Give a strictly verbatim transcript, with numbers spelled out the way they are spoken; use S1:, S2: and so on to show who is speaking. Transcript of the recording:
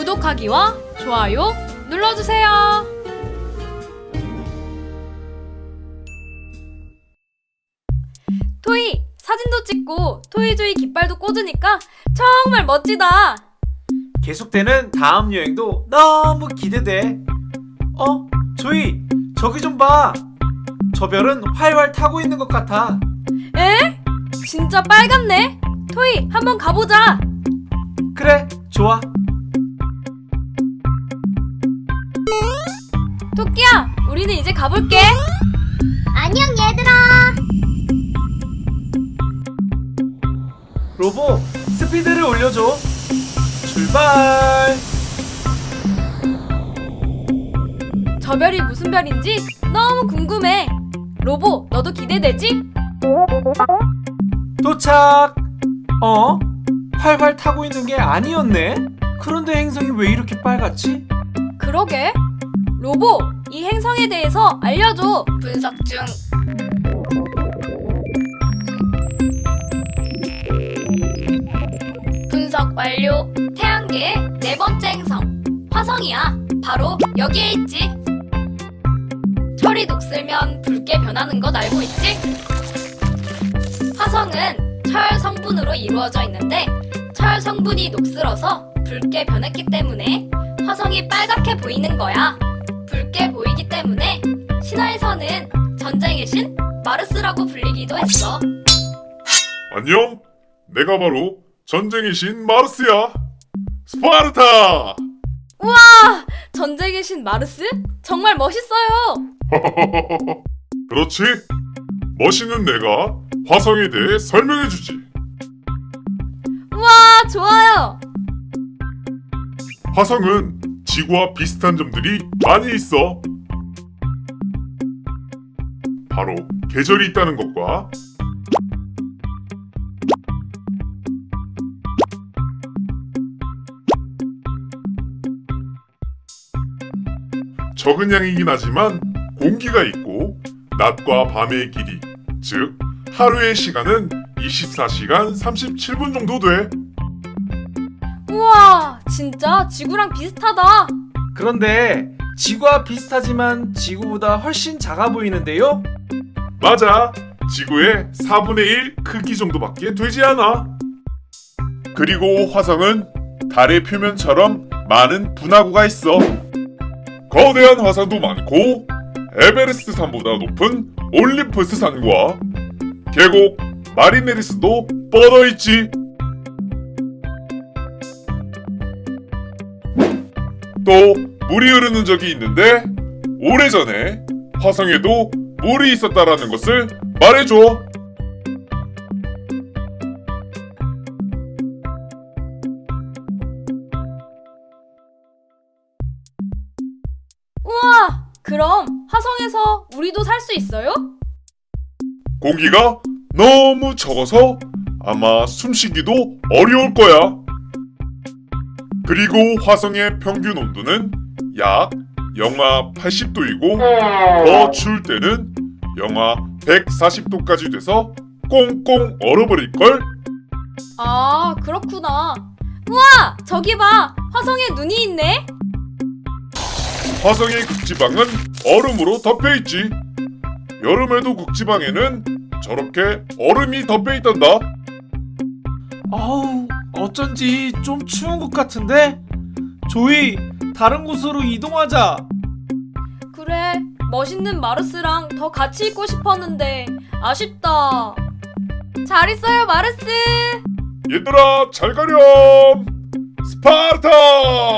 S1: 구독하기와 좋아요 눌러주세요. 토이, 사진도 찍고 토이조이 깃발도 꽂으니까 정말 멋지다.
S2: 계속되는 다음 여행도 너무 기대돼. 어? 조이, 저기 좀 봐. 저 별은 활활 타고 있는 것 같아.
S1: 에? 진짜 빨갛네. 토이, 한번 가보자.
S2: 그래, 좋아.
S1: 토끼야, 우리는 이제 가볼게.
S3: 안녕 얘들아.
S2: 로보, 스피드를 올려줘. 출발.
S1: 저 별이 무슨 별인지 너무 궁금해. 로보, 너도 기대되지?
S2: 도착. 어? 활활 타고 있는 게 아니었네. 그런데 행성이 왜 이렇게 빨갛지?
S1: 그러게. 로보, 이 행성에 대해서 알려줘. 분석 중. 분석 완료. 태양계의 네 번째 행성 화성이야. 바로 여기에 있지. 철이 녹슬면 붉게 변하는 것 알고 있지? 화성은 철 성분으로 이루어져 있는데 철 성분이 녹슬어서 붉게 변했기 때문에 화성이 빨갛게 보이는 거야. 붉게 보이기 때문에 신화에서는 전쟁의 신 마르스라고 불리기도 했어.
S4: 안녕, 내가 바로 전쟁의 신 마르스야. 스파르타!
S1: 우와! 전쟁의 신 마르스? 정말 멋있어요.
S4: 그렇지? 멋있는 내가 화성에 대해 설명해주지.
S1: 우와, 좋아요.
S4: 화성은 지구와 비슷한 점들이 많이 있어. 바로 계절이 있다는 것과 적은 양이긴 하지만 공기가 있고 낮과 밤의 길이, 즉 하루의 시간은 이십사 시간 삼십칠 분 정도 돼.
S1: 우와, 진짜 지구랑 비슷하다.
S2: 그런데 지구와 비슷하지만 지구보다 훨씬 작아 보이는데요?
S4: 맞아. 지구의 사분의 일 크기 정도밖에 되지 않아. 그리고 화성은 달의 표면처럼 많은 분화구가 있어. 거대한 화산도 많고 에베레스트 산보다 높은 올림푸스 산과 계곡 마리네리스도 뻗어 있지. 또 물이 흐르는 적이 있는데 오래전에 화성에도 물이 있었다라는 것을 말해줘.
S1: 우와, 그럼 화성에서 우리도 살 수 있어요?
S4: 공기가 너무 적어서 아마 숨쉬기도 어려울 거야. 그리고 화성의 평균 온도는 약 영하 팔십 도이고 더 추울 때는 영하 백사십 도까지 돼서 꽁꽁 얼어버릴걸?
S1: 아, 그렇구나. 우와, 저기 봐. 화성에 눈이 있네.
S4: 화성의 극지방은 얼음으로 덮여있지. 여름에도 극지방에는 저렇게 얼음이 덮여있단다.
S2: 아우, 어쩐지 좀 추운 것 같은데? 조이, 다른 곳으로 이동하자.
S1: 그래, 멋있는 마르스랑 더 같이 있고 싶었는데 아쉽다. 잘 있어요, 마르스.
S4: 얘들아 잘 가렴. 스파르타!